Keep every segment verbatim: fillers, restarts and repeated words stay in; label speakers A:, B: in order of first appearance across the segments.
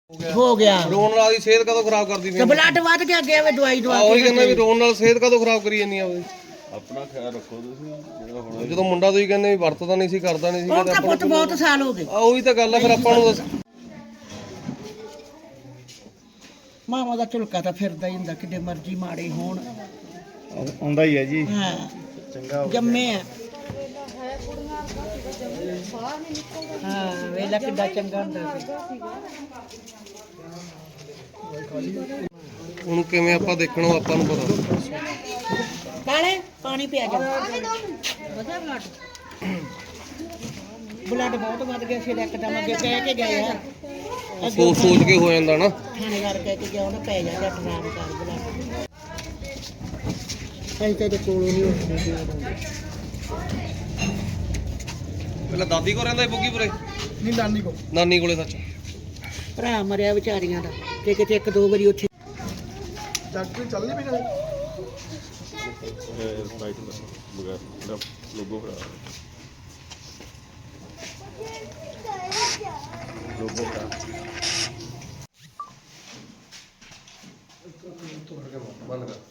A: हो गया
B: ਰੋਣ ਨਾਲ ਦੀ ਸਿਹਤ ਕਦੋਂ ਖਰਾਬ ਕਰਦੀ
A: तो ब्लड वध गया गया वे दवाई दवा
B: ਉਹੀ ਕਹਿੰਦਾ ਵੀ ਰੋਣ ਨਾਲ ਸਿਹਤ ਕਦੋਂ ਖਰਾਬ ਕਰੀ ਜਾਂਦੀ ਆ ਉਹ
C: ਆਪਣਾ ਖਿਆਲ ਰੱਖੋ ਤੁਸੀਂ ਜਿਹੜਾ ਹੁਣ
B: ਜਦੋਂ ਮੁੰਡਾ ਤੁਸੀਂ ਕਹਿੰਦੇ ਵੀ ਵਰਤਦਾ ਨਹੀਂ ਸੀ ਕਰਦਾ ਨਹੀਂ ਸੀ
A: उनका पुत बहुत साल हो गए
B: ਆ ਉਹੀ ਤਾਂ ਗੱਲ ਆ ਫਿਰ ਆਪਾਂ ਨੂੰ ਦੱਸ
A: मामा का झुलका तो फिरदा ही हुंदा किड्डे मर्जी माड़े होण
D: ਆਉਂਦਾ ਹੀ ਹੈ ਜੀ
A: हाँ
D: ਚੰਗਾ
A: जम्मे आ हाँ वेला किड्डा चंगा हुंदा
B: ਹੁਣ ਕਿਵੇਂ ਆਪਾਂ ਦੇਖਣੋ ਆਪਾਂ ਨੂੰ ਪਤਾ
A: काले पानी पिया जा ब्लड बहुत वध गया फिर एकदम अगे कह के गए हैं
B: ਸੋਚ ਸੋਚ ਕੇ ਹੋ ਜਾਂਦਾ ਨਾ
A: थानेदार कह के गया उन्हें पै जा जट नाम कर ब्लड अं तेरे कोलों नहीं उठने
B: ਪਹਿਲਾਂ ਦਾਦੀ ਕੋ ਰਹਿੰਦਾ ਸੀ ਬੁੱਗੀਪੁਰੇ
D: ਨਹੀਂ ਨਾਨੀ ਕੋ
B: ਨਾਨੀ ਕੋਲੇ ਸੱਚ
A: ਭਰਾ ਮਰਿਆ ਵਿਚਾਰੀਆਂ ਦਾ ਤੇ ਕਿਤੇ ਇੱਕ ਦੋ ਵਾਰੀ ਉੱਥੇ
D: ਡਾਕਟਰ ਚੱਲ ਨਹੀਂ ਪਈ
C: ਰਾਈਟ ਬਗੈਰ ਦਾ ਲੋਗੋ ਖੜਾ ਲੋਗੋ ਖੜਾ
B: ਬੰਦ ਕਰ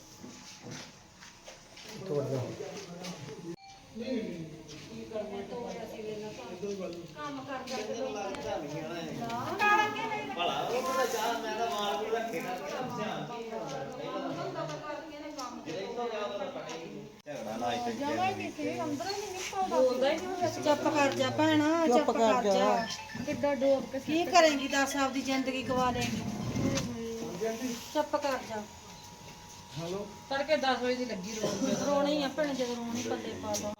E: चुप कर जा भैना चुप कर जा किड्डा डोब के की करेंगी दस आपदी जिंदगी गवा लेंगी चुप कर जा हेलो तड़के दस बजे दी लगी रोन रोनी है भैन जब रोनी पल्ले पा लो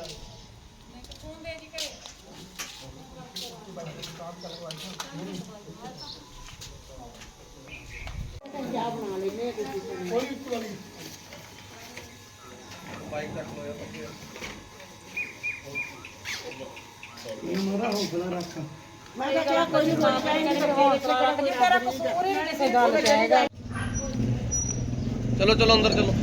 A: ਮੈਂ ਤਾਂ ਕਿਹਾ ਕੋਈ ਨਹੀਂ ਮਾਂ ਭੈਣ ਦੇ ਤੇਰਾ ਕਸੂਰ ਹੀ ਨਹੀਂ ਕਿਸੇ ਗੱਲ ਕਹੇਗਾ
B: ਚਲੋ ਚਲੋ ਅੰਦਰ ਚਲੋ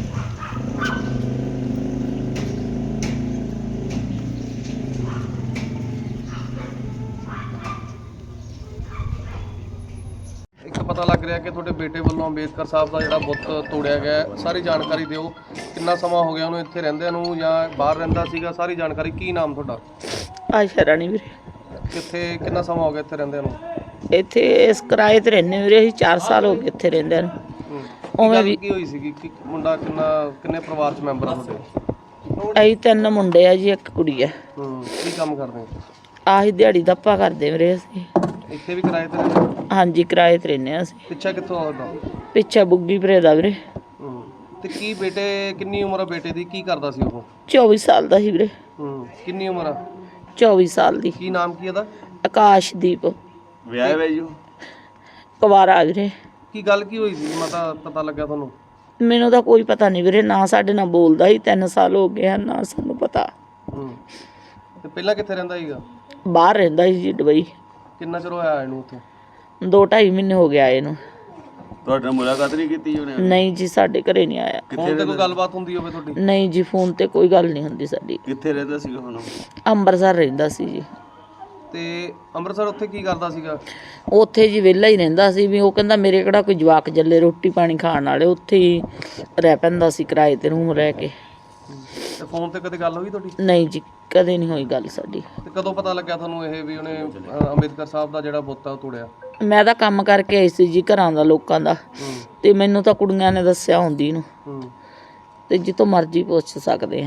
B: ਇੱਕ ਪਤਾ ਲੱਗ ਰਿਹਾ ਕਿ ਤੁਹਾਡੇ ਬੇਟੇ ਵੱਲੋਂ ਅੰਬੇਦਕਰ ਸਾਹਿਬ ਦਾ ਜਿਹੜਾ ਬੁੱਤ ਤੋੜਿਆ ਗਿਆ ਹੈ। ਸਾਰੀ ਜਾਣਕਾਰੀ ਦਿਓ ਕਿੰਨਾ ਸਮਾਂ ਹੋ ਗਿਆ ਉਹਨੂੰ ਇੱਥੇ ਰਹਿੰਦਿਆਂ ਨੂੰ ਜਾਂ ਬਾਹਰ ਰਹਿੰਦਾ ਸੀਗਾ ਸਾਰੀ ਜਾਣਕਾਰੀ ਕੀ ਨਾਮ ਤੁਹਾਡਾ
F: ਆਸ਼ਾ ਰਾਣੀ ਵੀਰੇ
B: ਕਿੱਥੇ ਕਿੰਨਾ ਸਮਾਂ ਹੋ ਗਿਆ ਇੱਥੇ ਰਹਿੰਦਿਆਂ ਨੂੰ
F: ਇੱਥੇ ਇਸ ਕਿਰਾਏ ਤੇ ਰਹਿੰਦੇ ਵੀਰੇ ਅਸੀਂ ਚਾਰ ਸਾਲ ਹੋ ਗਏ ਇੱਥੇ ਰਹਿੰਦਿਆਂ ਨੂੰ
B: ਹੂੰ।
F: ਉਵੇਂ
B: ਗੱਲ
F: ਵੀ
B: ਕੀ ਹੋਈ ਸੀਗੀ ਕਿ ਮੁੰਡਾ ਕਿੰਨਾ ਕਿੰਨੇ ਪਰਿਵਾਰ ਚ ਮੈਂਬਰ ਆ ਤੁਹਾਡੇ
F: ਅਸੀਂ ਤਿੰਨ ਮੁੰਡੇ ਆ ਜੀ ਇੱਕ ਕੁੜੀ ਆ
B: ਹੂੰ ਕੀ ਕੰਮ ਕਰਦੇ ਹੋ?
F: ਆਹੀ ਦਿਹਾੜੀ ਦੱਪਾ ਕਰਦੇ ਵੀਰੇ ਅਸੀਂ
B: ਇੱਥੇ ਵੀ ਕਿਰਾਏ ਤੇ ਰਹਿੰਦੇ ਹੋ?
F: ਹਾਂਜੀ ਕਿਰਾਏ ਤੇ ਰਹਿੰਦੇ ਹਾਂ ਅਸੀਂ
B: ਪਿੱਛਾ ਕਿੱਥੋਂ ਆਉਂਦਾ
F: ਪਿੱਛੇ ਬੁੱਗੀ ਭਰੇ ਦਾ ਵੀਰੇ
B: ਹੂੰ ਤੇ ਕੀ ਬੇਟੇ ਕਿੰਨੀ ਉਮਰ ਆ ਬੇਟੇ ਦੀ ਕੀ ਕਰਦਾ ਸੀ ਉਹ
F: ਚੌਵੀ ਸਾਲ ਦਾ ਸੀ ਵੀਰੇ
B: ਹੂੰ ਕਿੰਨੀ ਉਮਰ ਆ
F: ਚੌਵੀ ਸਾਲ ਦੀ
B: ਕੀ ਨਾਮ ਕੀ ਇਹਦਾ
F: ਆਕਾਸ਼ਦੀਪ
C: ਵਿਆਹ ਵੇ ਜੀ
F: ਕੁਵਾਰਾ ਵੀਰੇ
B: ਕੀ ਗੱਲ ਕੀ ਹੋਈ ਸੀ ਮਤਾ ਪਤਾ ਲੱਗਿਆ ਤੁਹਾਨੂੰ
F: ਮੈਨੂੰ ਤਾਂ ਕੋਈ ਪਤਾ ਨਹੀਂ ਵੀਰੇ ਨਾ ਸਾਡੇ ਨਾਲ ਬੋਲਦਾ ਸੀ ਤਿੰਨ ਸਾਲ ਹੋ ਗਏ ਹਨ ਨਾ ਸਾਨੂੰ ਪਤਾ
B: ਹੂੰ ਤੇ ਪਹਿਲਾਂ ਕਿੱਥੇ ਰਹਿੰਦਾ ਸੀਗਾ
F: ਬਾਹਰ ਰਹਿੰਦਾ ਸੀ ਜੀ ਦੁਬਈ
B: ਕਿੰਨਾ ਚਿਰ ਹੋਇਆ ਇਹਨੂੰ ਉੱਥੇ
F: ਦੋ ਢਾਈ ਮਹੀਨੇ ਹੋ ਗਿਆ ਇਹਨੂੰ
C: ਤੁਹਾਡੇ ਨਾਲ ਮੁਲਾਕਾਤ ਨਹੀਂ ਕੀਤੀ ਉਹਨੇ
F: ਨਹੀਂ ਜੀ ਸਾਡੇ ਘਰੇ ਨਹੀਂ ਆਇਆ
B: ਫੋਨ ਤੇ ਕੋਈ ਗੱਲਬਾਤ ਹੁੰਦੀ ਹੋਵੇ ਤੁਹਾਡੀ
F: ਨਹੀਂ ਜੀ ਫੋਨ ਤੇ ਕੋਈ ਗੱਲ ਨਹੀਂ ਹੁੰਦੀ ਸਾਡੀ
C: ਕਿੱਥੇ ਰਹਿੰਦਾ ਸੀਗਾ ਹੁਣ
F: ਅੰਮ੍ਰਿਤਸਰ ਰਹਿੰਦਾ ਸੀ ਜੀ
B: ਤੇ ਅੰਮ੍ਰਿਤਸਰ ਉੱਥੇ ਕੀ ਕਰਦਾ ਸੀਗਾ
F: ਉੱਥੇ ਜੀ ਵਿਹਲਾ ਹੀ ਰਹਿੰਦਾ ਸੀ ਵੀ ਉਹ ਕਹਿੰਦਾ ਮੇਰੇ ਕਿਹੜਾ ਕੋਈ ਜਵਾਕ ਜੱਲੇ ਰੋਟੀ ਪਾਣੀ ਖਾਣ ਵਾਲੇ ਉੱਥੇ ਹੀ ਰਹਿ ਪੈਂਦਾ ਸੀ ਕਿਰਾਏ ਤੇ ਰੂਮ ਰਹਿ ਕੇ
B: ਤੇ ਫੋਨ ਤੇ ਕਦੇ ਗੱਲ ਹੋਈ ਤੁਹਾਡੀ
F: ਨਹੀਂ ਜੀ ਕਦੇ ਨਹੀਂ ਹੋਈ ਗੱਲ ਸਾਡੀ
B: ਤੇ ਕਦੋਂ ਪਤਾ ਲੱਗਿਆ ਤੁਹਾਨੂੰ ਇਹ ਵੀ ਉਹਨੇ ਅ, ਅੰਬੇਦਕਰ ਸਾਹਿਬ ਦਾ ਜਿਹੜਾ ਬੁੱਤ ਆ ਉਹ ਤੋੜਿਆ
F: ਮੈਂ ਤਾਂ ਕੰਮ ਕਰਕੇ ਆਈ ਸੀ ਜੀ ਘਰਾਂ ਦਾ ਲੋਕਾਂ ਦਾ
B: ਹੂੰ
F: ਤੇ ਮੈਨੂੰ ਤਾਂ ਕੁੜੀਆਂ ਨੇ ਦੱਸਿਆ ਹੁੰਦੀ ਨੂੰ
B: ਹੂੰ
F: ਤੇ ਜਿੱਥੋਂ ਮਰਜ਼ੀ ਪੁੱਛ ਸਕਦੇ ਆ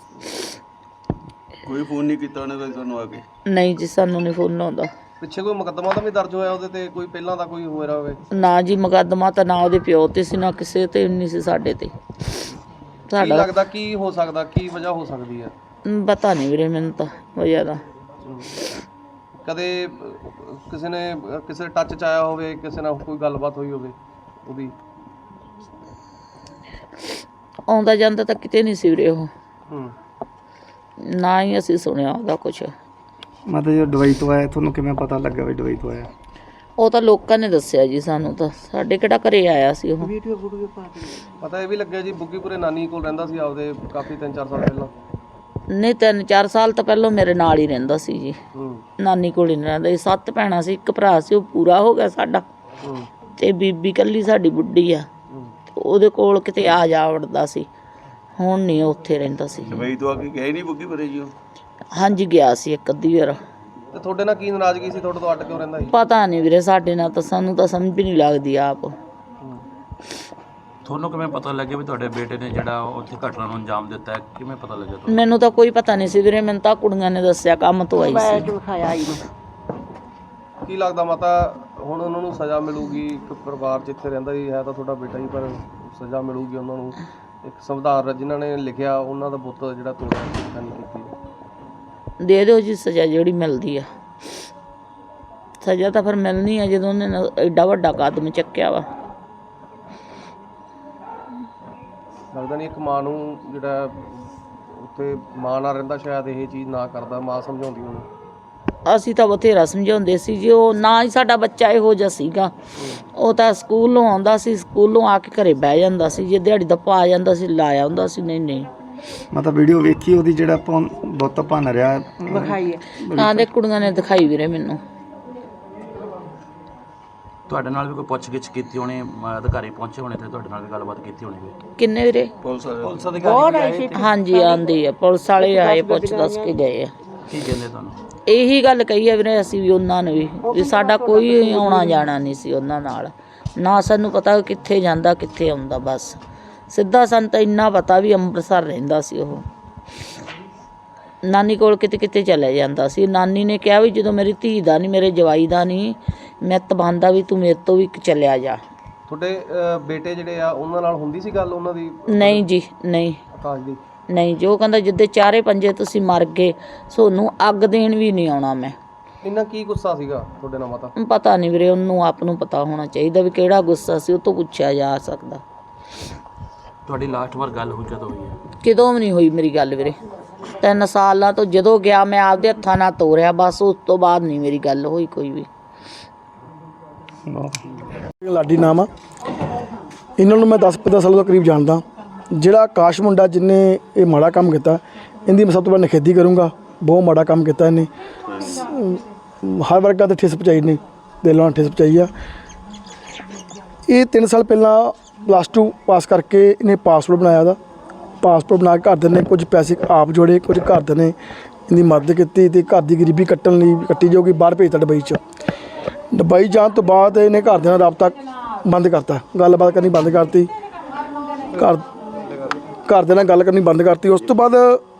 C: ਕੋਈ ਫੋਨ ਨਹੀਂ ਕੀਤਾ ਉਹਨੇ ਕੋਈ ਤੁਹਾਨੂੰ ਆ ਕੇ
F: ਨਹੀਂ ਜੀ ਸਾਨੂੰ ਨਹੀਂ ਫੋਨ ਆਉਂਦਾ
B: ਪਿੱਛੇ ਕੋਈ ਮੁਕੱਦਮਾ ਤਾਂ ਵੀ ਦਰਜ ਹੋਇਆ ਉਹਦੇ ਤੇ ਕੋਈ ਪਹਿਲਾਂ ਦਾ ਕੋਈ ਹੋਇਆ ਹੋਵੇ
F: ਨਾ ਜੀ ਮੁਕੱਦਮਾ ਤਾਂ ਨਾ ਉਹਦੇ ਪਿਓ ਤੇ ਸੀ ਨਾ ਕਿਸੇ ਤੇ ਨਹੀਂ ਸੀ ਸਾਡੇ ਤੇ
B: ਕੀ
F: ਸਾਡਾ
B: ਲੱਗਦਾ ਕੀ ਹੋ ਸਕਦਾ ਕੀ ਵਜ੍ਹਾ ਹੋ ਸਕਦੀ ਹੈ
F: ਪਤਾ ਨਹੀਂ ਵੀਰੇ ਮੈਨੂੰ ਤਾਂ ਵਜ੍ਹਾ ਦਾ
B: ਹੂੰ। ਕਦੇ ਅ, ਕਿਸੇ ਨੇ ਅ, ਕਿਸੇ ਟੱਚ ਚ ਆਇਆ ਹੋਵੇ ਕਿਸੇ ਨਾਲ ਕੋਈ ਗੱਲਬਾਤ ਹੋਈ ਹੋਵੇ ਉਹਦੀ
F: ਆਉਂਦਾ ਜਾਂਦਾ ਤਾਂ ਕਿਤੇ ਨਹੀਂ ਸੀ ਵੀਰੇ ਉਹ
B: ਹੂੰ
F: ਨਾ ਹੀ ਅਸੀਂ ਸੁਣਿਆ ਉਹਦਾ ਕੁਛ
D: ਮਤਲਬ ਜਦੋਂ ਦੁਬਈ ਤੋਂ ਆਇਆ ਤੁਹਾਨੂੰ ਕਿਵੇਂ ਪਤਾ ਲੱਗਾ ਵੀ ਦੁਬਈ ਤੋਂ ਆਇਆ
F: ਉਹ ਤਾਂ ਲੋਕਾਂ ਨੇ ਦੱਸਿਆ ਜੀ ਸਾਨੂੰ ਤਾਂ ਸਾਡੇ ਕਿਹੜਾ ਘਰੇ ਆਇਆ ਸੀ ਉਹ
B: ਪਤਾ ਇਹ ਵੀ ਲੱਗਿਆ ਜੀ ਬੁੱਗੀਪੁਰੇ ਨਾਨੀ ਕੋਲ ਰਹਿੰਦਾ ਸੀ ਆਪਦੇ ਕਾਫੀ ਤਿੰਨ ਚਾਰ ਸਾਲ ਪਹਿਲਾਂ
F: ਨਹੀਂ ਤਿੰਨ ਚਾਰ ਸਾਲ ਤਾਂ ਪਹਿਲਾਂ ਮੇਰੇ ਨਾਲ ਹੀ ਰਹਿੰਦਾ ਸੀ ਜੀ
B: ਹੂੰ
F: ਨਾਨੀ ਕੋਲ ਹੀ ਨਹੀਂ ਰਹਿੰਦਾ ਸੀ। ਸੱਤ ਭੈਣਾਂ ਸੀ ਇੱਕ ਭਰਾ ਸੀ ਉਹ ਪੂਰਾ ਹੋ ਗਿਆ ਸਾਡਾ ਤੇ ਬੀਬੀ ਕੱਲੀ ਸਾਡੀ ਬੁੱਢੀ ਆ, ਉਹਦੇ ਕੋਲ ਕਿਤੇ ਆ ਜਾ ਵੜਦਾ ਸੀ, ਹੁਣ ਨਹੀਂ ਉੱਥੇ ਰਹਿੰਦਾ ਸੀ।
C: ਦੁਬਈ ਤੋਂ ਆ ਕੇ ਗਏ ਨਹੀਂ ਬੁੱਗੀ ਪਰੇ ਜੀ ਉਹ?
F: ਹਾਂਜੀ ਗਿਆ ਸੀ ਇੱਕ ਅੱਧੀ ਵਾਰ।
B: ਤੇ ਤੁਹਾਡੇ ਨਾਲ ਕੀ ਨਾਰਾਜ਼ਗੀ ਸੀ, ਤੁਹਾਡੇ ਤੋਂ ਅੱਡ ਕਿਉਂ ਰਹਿੰਦਾ ਸੀ?
F: ਪਤਾ ਨਹੀਂ ਵੀਰੇ, ਸਾਡੇ ਨਾਲ ਤਾਂ ਸਾਨੂੰ ਤਾਂ ਸਮਝ ਵੀ ਨਹੀਂ ਲੱਗਦੀ ਆਪ।
G: ਤੁਹਾਨੂੰ ਕਿਵੇਂ ਪਤਾ ਲੱਗਿਆ ਵੀ ਤੁਹਾਡੇ ਬੇਟੇ ਨੇ ਜਿਹੜਾ ਉੱਥੇ ਘਟਨਾ ਨੂੰ ਅੰਜਾਮ ਦਿੱਤਾ ਹੈ? ਕਿਵੇਂ ਪਤਾ ਲੱਗਿਆ ਤੁਹਾਨੂੰ?
F: ਮੈਨੂੰ ਤਾਂ ਕੋਈ ਪਤਾ ਨਹੀਂ ਸੀ ਵੀਰੇ, ਮੈਨੂੰ ਤਾਂ ਕੁੜੀਆਂ ਨੇ ਦੱਸਿਆ, ਕੰਮ ਤੋਂ ਆਈ ਸੀ।
B: ਕੀ ਲੱਗਦਾ ਮਾਤਾ ਹੁਣ ਉਹਨਾਂ ਨੂੰ ਸਜ਼ਾ ਮਿਲੂਗੀ? ਇੱਕ ਪਰਿਵਾਰ ਜਿੱਥੇ ਰਹਿੰਦਾ ਹੀ ਹੈ ਤਾਂ ਤੁਹਾਡਾ ਬੇਟਾ ਹੀ, ਪਰ ਸਜ਼ਾ ਮਿਲੂਗੀ ਉਹਨਾਂ ਨੂੰ? ਇੱਕ ਸੰਵਿਧਾਨ ਜਿਨ੍ਹਾਂ ਨੇ ਲਿਖਿਆ ਉਹਨਾਂ ਦਾ ਬੁੱਤ ਜਿਹੜਾ ਤੋੜਿਆ, ਸਿੱਖਿਆ ਨਹੀਂ ਕੀਤੀ।
F: ਦੇ ਦਿਓ ਜੀ ਸਜ਼ਾ ਜਿਹੜੀ ਮਿਲਦੀ ਆ। ਸਜ਼ਾ ਤਾਂ ਫਿਰ ਮਿਲਣੀ ਆ ਜਦੋਂ ਉਹਨੇ ਨਾ ਐਡਾ ਵੱਡਾ ਕਦਮ ਚੱਕਿਆ ਵਾ।
B: ਲੱਗਦਾ ਨਹੀਂ ਇੱਕ ਮਾਂ ਨੂੰ ਜਿਹੜਾ ਉੱਥੇ ਮਾਂ ਨਾਲ ਰਹਿੰਦਾ ਸ਼ਾਇਦ ਇਹ ਚੀਜ਼ ਨਾ ਕਰਦਾ, ਮਾਂ ਸਮਝਾਉਂਦੀ ਉਹਨੂੰ।
F: ਅਸੀਂ ਤਾਂ ਬਥੇਰਾ ਸਮਝਾਉਂਦੇ ਸੀ ਜੀ, ਉਹ ਨਾ ਹੀ ਸਾਡਾ ਬੱਚਾ ਇਹੋ ਜਿਹਾ ਸੀਗਾ। ਉਹ ਤਾਂ ਸਕੂਲੋਂ ਆਉਂਦਾ ਸੀ, ਸਕੂਲੋਂ ਆ ਕੇ ਘਰੇ ਬਹਿ ਜਾਂਦਾ ਸੀ, ਜੇ ਦਿਹਾੜੀ ਦਾ ਪਾ ਜਾਂਦਾ ਸੀ ਲਾਇਆ ਹੁੰਦਾ ਸੀ। ਨਹੀਂ ਨਹੀਂ
D: ਮਤਲਬ ਵੀਡੀਓ ਵੇਖੀ ਉਹਦੀ ਜਿਹੜਾ ਆਪਾਂ ਬੁੱਤ ਭੰਨ ਰਿਹਾ
E: ਵਿਖਾਈ ਹੈ।
F: ਹਾਂ ਦੇ ਕੁੜੀਆਂ ਨੇ ਦਿਖਾਈ ਵੀਰੇ ਮੈਨੂੰ।
G: ਤੁਹਾਡੇ ਨਾਲ ਵੀ ਕੋਈ ਪੁੱਛ-ਗਿੱਛ ਕੀਤੀ ਹੋਣੀ, ਅਮ ਅਧਿਕਾਰੀ ਪਹੁੰਚੇ ਹੋਣੇ ਤੇ ਤੁਹਾਡੇ ਨਾਲ ਵੀ ਗੱਲਬਾਤ ਕੀਤੀ ਹੋਣੀ ਵੀ?
F: ਕਿੰਨੇ ਵੀਰੇ?
C: ਪੁਲਿਸ ਵਾਲੇ
G: ਪੁਲਿਸ ਅਧਿਕਾਰੀ
F: ਹਾਂਜੀ ਆਂਦੀ ਆ, ਪੁਲਿਸ ਵਾਲੇ ਆਏ, ਪੁੱਛ ਦੱਸ ਕੇ ਗਏ ਆ।
G: ਕੀ ਕਹਿੰਦੇ ਤੁਹਾਨੂੰ?
F: ਇਹੀ ਗੱਲ ਕਹੀ ਆ ਵੀਰੇ ਅਸੀਂ ਵੀ ਉਹਨਾਂ ਨੂੰ ਵੀ, ਵੀ ਸਾਡਾ ਕੋਈ ਆਉਣਾ ਜਾਣਾ ਨਹੀਂ ਸੀ ਉਹਨਾਂ ਨਾਲ, ਨਾ ਸਾਨੂੰ ਪਤਾ ਕਿੱਥੇ ਜਾਂਦਾ ਕਿੱਥੇ ਆਉਂਦਾ। ਬਸ ਸਿੱਧਾ ਸਾਨੂੰ ਤਾਂ ਇੰਨਾ ਪਤਾ ਵੀ ਅੰਮ੍ਰਿਤਸਰ ਰਹਿੰਦਾ ਸੀ ਉਹ, ਨਾਨੀ ਕੋਲ ਕਿਤੇ ਕਿਤੇ ਚਲੇ ਜਾਂਦਾ ਸੀ। ਨਾਨੀ ਨੇ ਕਿਹਾ ਵੀ ਜਦੋਂ ਮੇਰੀ ਧੀ ਦਾ ਨਹੀਂ, ਮੇਰੇ ਜਵਾਈ ਦਾ ਨਹੀਂ, ਮੈਂ ਤਬਾਂਦਾ ਵੀ ਤੂੰ ਮੇਰੇ ਤੋਂ ਵੀ ਚਲਿਆ ਜਾ।
B: ਤੁਹਾਡੇ ਅਹ, ਬੇਟੇ ਜਿਹੜੇ ਆ ਉਹਨਾਂ ਨਾਲ ਹੁੰਦੀ ਸੀ ਗੱਲ ਉਹਨਾਂ ਦੀ,
F: ਨਹੀਂ ਜੀ ਨਹੀਂ
B: ਆਕਾਸ਼ ਦੀ?
F: ਨਹੀਂ, ਜੋ ਕਹਿੰਦਾ ਜਿੱਦੇ ਚਾਰੇ ਪੰਜੇ ਤੁਸੀਂ ਮਰ ਗਏ, ਸੋਨੂੰ ਅੱਗ ਦੇਣ ਵੀ ਨਹੀਂ ਆਉਣਾ ਮੈਂ।
B: ਇੰਨਾ ਕੀ ਗੁੱਸਾ ਸੀਗਾ ਤੁਹਾਡੇ ਨਾਲ ਮਾਤਾ?
F: ਪਤਾ ਨਹੀਂ ਵੀਰੇ, ਉਹਨੂੰ ਆਪ ਨੂੰ ਪਤਾ ਹੋਣਾ ਚਾਹੀਦਾ ਵੀ ਕਿਹੜਾ ਗੁੱਸਾ ਸੀ, ਉਹ ਤੋਂ ਪੁੱਛਿਆ ਜਾ ਸਕਦਾ।
G: ਤੁਹਾਡੀ ਲਾਸਟ ਵਾਰ ਗੱਲ ਹੋਈ ਕਦੋਂ ਹੋਈ ਹੈ?
F: ਕਿਦੋਂ ਵੀ ਨਹੀਂ ਹੋਈ ਮੇਰੀ ਗੱਲ ਵੀਰੇ, ਤਿੰਨ ਸਾਲਾਂ ਤੋਂ ਜਦੋਂ ਗਿਆ ਮੈਂ ਆਪਦੇ ਹੱਥਾਂ ਨਾਲ ਤੋਰਿਆ, ਬਸ ਉਸ ਤੋਂ ਬਾਅਦ ਨਹੀਂ ਮੇਰੀ ਗੱਲ ਹੋਈ ਕੋਈ ਵੀ।
H: ਲਾਡੀ ਨਾਮ ਆ ਇਹਨਾਂ ਨੂੰ, ਮੈਂ ਦਸ ਪੰਦਰਾਂ ਸਾਲਾਂ ਤੋਂ ਕਰੀਬ ਜਾਣਦਾ। ਜਿਹੜਾ ਆਕਾਸ਼ ਮੁੰਡਾ ਜਿਹਨੇ ਇਹ ਮਾੜਾ ਕੰਮ ਕੀਤਾ, ਇਹਦੀ ਮੈਂ ਸਭ ਤੋਂ ਵੱਧ ਨਿਖੇਧੀ ਕਰੂੰਗਾ। ਬਹੁਤ ਮਾੜਾ ਕੰਮ ਕੀਤਾ ਇਹਨੇ, ਹਰ ਵਰਗਾ ਤੇ ਠੇਸ ਪਹੁੰਚਾਈ ਨੇ, ਦਿਲੋਂ ਨਾਲ ਠੇਸ ਪਹੁੰਚਾਈ ਆ। ਇਹ ਤਿੰਨ ਸਾਲ ਪਹਿਲਾਂ ਪਲੱਸ ਟੂ ਪਾਸ ਕਰਕੇ ਇਹਨੇ ਪਾਸਪੋਰਟ ਬਣਾਇਆ ਦਾ। ਪਾਸਪੋਰਟ ਬਣਾ ਕੇ ਘਰਦਿਆਂ ਨੇ ਕੁਝ ਪੈਸੇ ਆਪ ਜੋੜੇ, ਕੁਝ ਘਰਦਿਆਂ ਨੇ ਇਹਦੀ ਮਦਦ ਕੀਤੀ ਤੇ ਘਰ ਦੀ ਗਰੀਬੀ ਕੱਟਣ ਲਈ ਕੱਟੀ ਜਾਊਗੀ। ਬਾਹਰ ਭੇਜਤਾ ਦੁਬਈ 'ਚ। ਦੁਬਈ ਜਾਣ ਤੋਂ ਬਾਅਦ ਇਹਨੇ ਘਰਦਿਆਂ ਨਾਲ ਰਾਬਤਾ ਬੰਦ ਕਰਤਾ, ਗੱਲਬਾਤ ਕਰਨੀ ਬੰਦ ਕਰਤੀ, ਘਰ ਘਰਦਿਆਂ ਨਾਲ ਗੱਲ ਕਰਨੀ ਬੰਦ ਕਰਤੀ। ਉਸ ਤੋਂ ਬਾਅਦ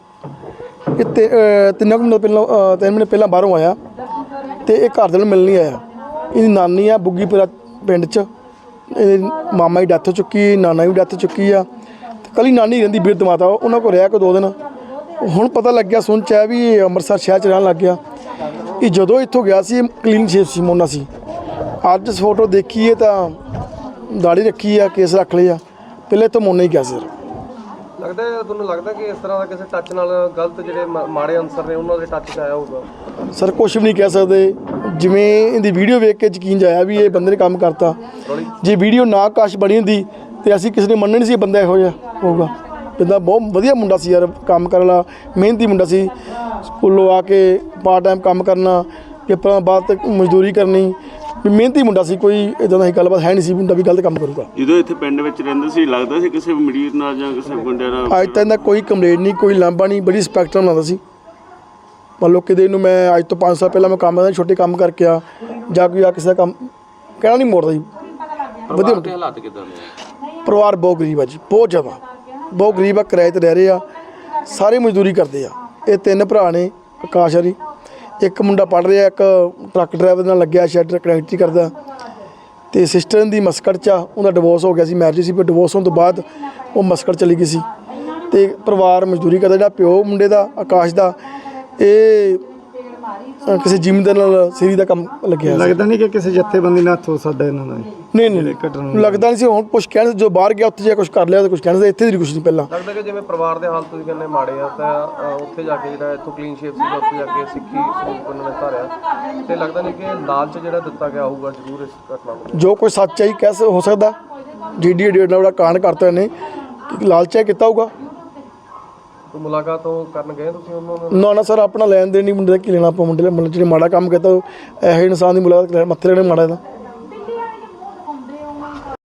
H: ਇਹ ਤੇ ਤਿੰਨ ਕੁ ਮਹੀਨੇ ਪਹਿਲਾਂ ਤਿੰਨ ਮਹੀਨੇ ਪਹਿਲਾਂ ਬਾਹਰੋਂ ਆਇਆ ਤੇ ਇਹ ਘਰਦਿਆਂ ਨੂੰ ਮਿਲਣ ਨਹੀਂ ਆਇਆ। ਇਹਦੀ ਨਾਨੀ ਆ ਬੁੱਗੀਪੁਰਾ ਪਿੰਡ 'ਚ, ਇਹਦੇ ਮਾਮਾ ਦੀ ਡੈਥ ਹੋ ਚੁੱਕੀ, ਨਾਨਾ ਦੀ ਡੈਥ ਹੋ ਚੁੱਕੀ ਆ। ਕੱਲੀ ਨਾਨੀ ਰਹਿੰਦੀ ਬਿਰਧ ਮਾਤਾ, ਉਹਨਾਂ ਕੋਲ ਰਿਹਾ ਕੋ ਦੋ ਦਿਨ। ਹੁਣ ਪਤਾ ਲੱਗਿਆ, ਸੁਣ 'ਚ ਹੈ ਵੀ ਇਹ ਅੰਮ੍ਰਿਤਸਰ ਸ਼ਹਿਰ 'ਚ ਰਹਿਣ ਲੱਗ ਗਿਆ। ਇਹ ਜਦੋਂ ਇੱਥੋਂ ਗਿਆ ਸੀ ਕਲੀਨ ਸ਼ੇਪ ਸੀ, ਮੋਨਾ ਸੀ। ਅੱਜ ਫੋਟੋ ਦੇਖੀਏ ਤਾਂ ਦਾੜੀ ਰੱਖੀ ਆ, ਕੇਸ ਰੱਖ ਲਏ ਆ, ਪਹਿਲੇ ਇੱਥੋਂ ਮੋਨਾ ਹੀ ਗਿਆ ਸੀ।
B: ਲੱਗਦਾ ਤੁਹਾਨੂੰ ਲੱਗਦਾ ਕਿ ਇਸ ਤਰ੍ਹਾਂ ਦਾ ਕਿਸੇ ਟੱਚ ਨਾਲ ਗਲਤ ਜਿਹੜੇ ਮਾ- ਮਾੜੇ ਅਨਸਰ ਨੇ ਉਹਨਾਂ ਦੇ ਟੱਚ 'ਚ ਆਇਆ ਹੋਊਗਾ?
H: ਸਰ ਕੁਛ ਵੀ ਨਹੀਂ ਕਹਿ ਸਕਦੇ। ਜਿਵੇਂ ਇਹਦੀ ਵੀਡੀਓ ਵੇਖ ਕੇ ਯਕੀਨ ਜਾਇਆ ਵੀ ਇਹ ਬੰਦੇ ਨੇ ਕੰਮ ਕਰਤਾ। ਜੇ ਵੀਡੀਓ ਨਾ ਕਾਸ਼ ਬਣੀ ਹੁੰਦੀ ਤੇ ਅਸੀਂ ਕਿਸੇ ਨੇ ਮੰਨਣਾ ਨਹੀਂ ਸੀ ਇਹ ਬੰਦਾ ਇਹੋ ਜਿਹਾ ਹੋਊਗਾ। ਬੰਦਾ ਬਹੁਤ ਵਧੀਆ ਮੁੰਡਾ ਸੀ ਯਾਰ, ਕੰਮ ਕਰਨ ਵਾਲਾ, ਮਿਹਨਤੀ ਮੁੰਡਾ ਸੀ। ਸਕੂਲੋਂ ਆ ਕੇ ਪਾਰਟ ਟਾਈਮ ਕੰਮ ਕਰਨਾ, ਪੇਪਰਾਂ ਬਾਅਦ ਤੱਕ ਮਜ਼ਦੂਰੀ ਕਰਨੀ, ਵੀ ਮਿਹਨਤੀ ਮੁੰਡਾ ਸੀ। ਕੋਈ ਇੱਦਾਂ ਦੀ ਗੱਲਬਾਤ ਹੈ ਨਹੀਂ ਸੀ ਮੁੰਡਾ ਵੀ ਗਲਤ ਕੰਮ ਕਰੂਗਾ।
C: ਜਦੋਂ ਇੱਥੇ ਪਿੰਡ ਵਿੱਚ ਰਹਿੰਦੇ ਸੀ ਲੱਗਦਾ ਸੀ ਕਿਸੇ ਮਰੀਜ਼ ਨਾਲ ਜਾਂ ਕਿਸੇ ਗੁੰਡਿਆਂ ਨਾਲ?
H: ਅੱਜ ਤੱਕ ਦਾ ਕੋਈ ਕੰਪਲੇਂਟ ਨਹੀਂ, ਕੋਈ ਲਾਂਭਾ ਨਹੀਂ, ਬੜੀ ਰਿਸਪੈਕਟ ਨਾਲ ਬਣਾਉਂਦਾ ਸੀ। ਮੰਨ ਲਓ ਕਿਤੇ ਨੂੰ ਮੈਂ ਅੱਜ ਤੋਂ ਪੰਜ ਸਾਲ ਪਹਿਲਾਂ ਮੈਂ ਕੰਮ ਕਰਦਾ, ਛੋਟੇ ਕੰਮ ਕਰਕੇ ਆ ਜਾਂ ਕੋਈ ਆ ਕਿਸੇ ਦਾ ਕੰਮ ਕਹਿਣਾ ਨਹੀਂ ਮੋੜਦਾ ਜੀ। ਵਧੀਆ
G: ਤੇ ਹਾਲਾਤ ਕਿੱਦਾਂ ਦੇ?
H: ਪਰਿਵਾਰ ਬਹੁਤ ਗਰੀਬ ਆ ਜੀ, ਬਹੁਤ ਜ਼ਿਆਦਾ ਬਹੁਤ ਗਰੀਬ ਆ। ਕਿਰਾਏ 'ਤੇ ਰਹਿ ਰਹੇ ਆ, ਸਾਰੇ ਮਜ਼ਦੂਰੀ ਕਰਦੇ ਆ। ਇਹ ਤਿੰਨ ਭਰਾ ਨੇ, ਆਕਾਸ਼ ਹਰੀ, ਇੱਕ ਮੁੰਡਾ ਪੜ੍ਹ ਰਿਹਾ, ਇੱਕ ਟਰੱਕ ਡਰਾਈਵਰ ਨਾਲ ਲੱਗਿਆ, ਸ਼ੈਡ ਕਨੈਕਟਰੀ ਕਰਦਾ। ਅਤੇ ਸਿਸਟਰ ਦੀ ਮਸਕਟ 'ਚ ਆ, ਉਹਦਾ ਡਿਵੋਰਸ ਹੋ ਗਿਆ ਸੀ, ਮੈਰਿਜ ਸੀ, ਪਰ ਡਿਵੋਰਸ ਹੋਣ ਤੋਂ ਬਾਅਦ ਉਹ ਮਸਕਟ ਚਲੀ ਗਈ ਸੀ। ਅਤੇ ਪਰਿਵਾਰ ਮਜ਼ਦੂਰੀ ਕਰਦਾ। ਜਿਹੜਾ ਪਿਓ ਮੁੰਡੇ ਦਾ ਆਕਾਸ਼ ਦਾ, ਇਹ ਕਿਸੇ ਜ਼ਿਮੀਂਦਾਰ ਨਾਲ ਸੀਰੀ ਦਾ ਕੰਮ ਲੱਗਿਆ।
D: ਲੱਗਦਾ ਨਹੀਂ ਕਿ ਕਿਸੇ ਜੱਥੇਬੰਦੀ ਨਾਲ ਹੱਥ ਹੋ ਸਕਦਾ ਇਹਨਾਂ ਦਾ?
H: ਨਹੀਂ ਨਹੀਂ ਲੱਗਦਾ ਨਹੀਂ ਸੀ। ਹੁਣ ਕੁਛ ਕਹਿਣ ਜੋ ਬਾਹਰ ਗਿਆ ਉੱਥੇ ਜਾ ਕੁਛ ਕਰ ਲਿਆ ਤਾਂ ਕੁਛ ਕਹਿਣ, ਇੱਥੇ ਦੀ ਕੁਛ ਨਹੀਂ। ਪਹਿਲਾਂ
B: ਲੱਗਦਾ ਕਿ ਜਿਵੇਂ ਪਰਿਵਾਰ ਦੇ ਹਾਲ ਤੁਸੀਂ ਕਹਿੰਦੇ ਮਾੜੇ ਆ, ਤਾਂ ਅ, ਉੱਥੇ ਜਾ ਕੇ ਜਿਹੜਾ ਇੱਥੋਂ ਕਲੀਨ ਸ਼ੇਪ ਸੀਗਾ, ਉੱਥੇ ਜਾ ਕੇ ਸਿੱਖੀ ਸਰੂਪ ਉਹਨਾਂ ਨੇ ਧਾਰਿਆ, ਤੇ ਲੱਗਦਾ ਨਹੀਂ ਕਿ ਲਾਲਚ ਜਿਹੜਾ ਦਿੱਤਾ ਗਿਆ ਹੋਊਗਾ ਜ਼ਰੂਰ ਇਸ ਘਟਨਾ ਨੂੰ?
H: ਜੋ ਕੋਈ ਸੱਚ ਹੈ ਕਹਿ ਹੋ ਸਕਦਾ। ਜੀ ਡੀ ਡੇਢ ਨਾਲ ਕਾਂਡ ਕਰਤਾ ਇਹਨੇ, ਲਾਲਚਾ ਕੀਤਾ ਹੋਊਗਾ।
B: ਕੋਈ ਮੁਲਾਕਾਤ ਉਹ ਕਰਨ ਗਏ ਤੁਸੀਂ ਉਹਨਾਂ ਨਾਲ?
H: ਨਾ ਨਾ ਸਰ, ਆਪਣਾ ਲੈਣ ਦੇਣ ਨਹੀਂ ਮੁੰਡੇ ਦਾ, ਕੀ ਲੈਣਾ ਆਪਾਂ ਮੁੰਡੇ ਦਾ। ਜਿਹੜੇ ਮਾੜਾ ਕੰਮ ਕੀਤਾ ਇਹੋ ਇਨਸਾਨ ਦੀ ਮੁਲਾਕਾਤ ਮੱਥੇ ਲੈਣੇ ਮਾੜਾ ਦਾ।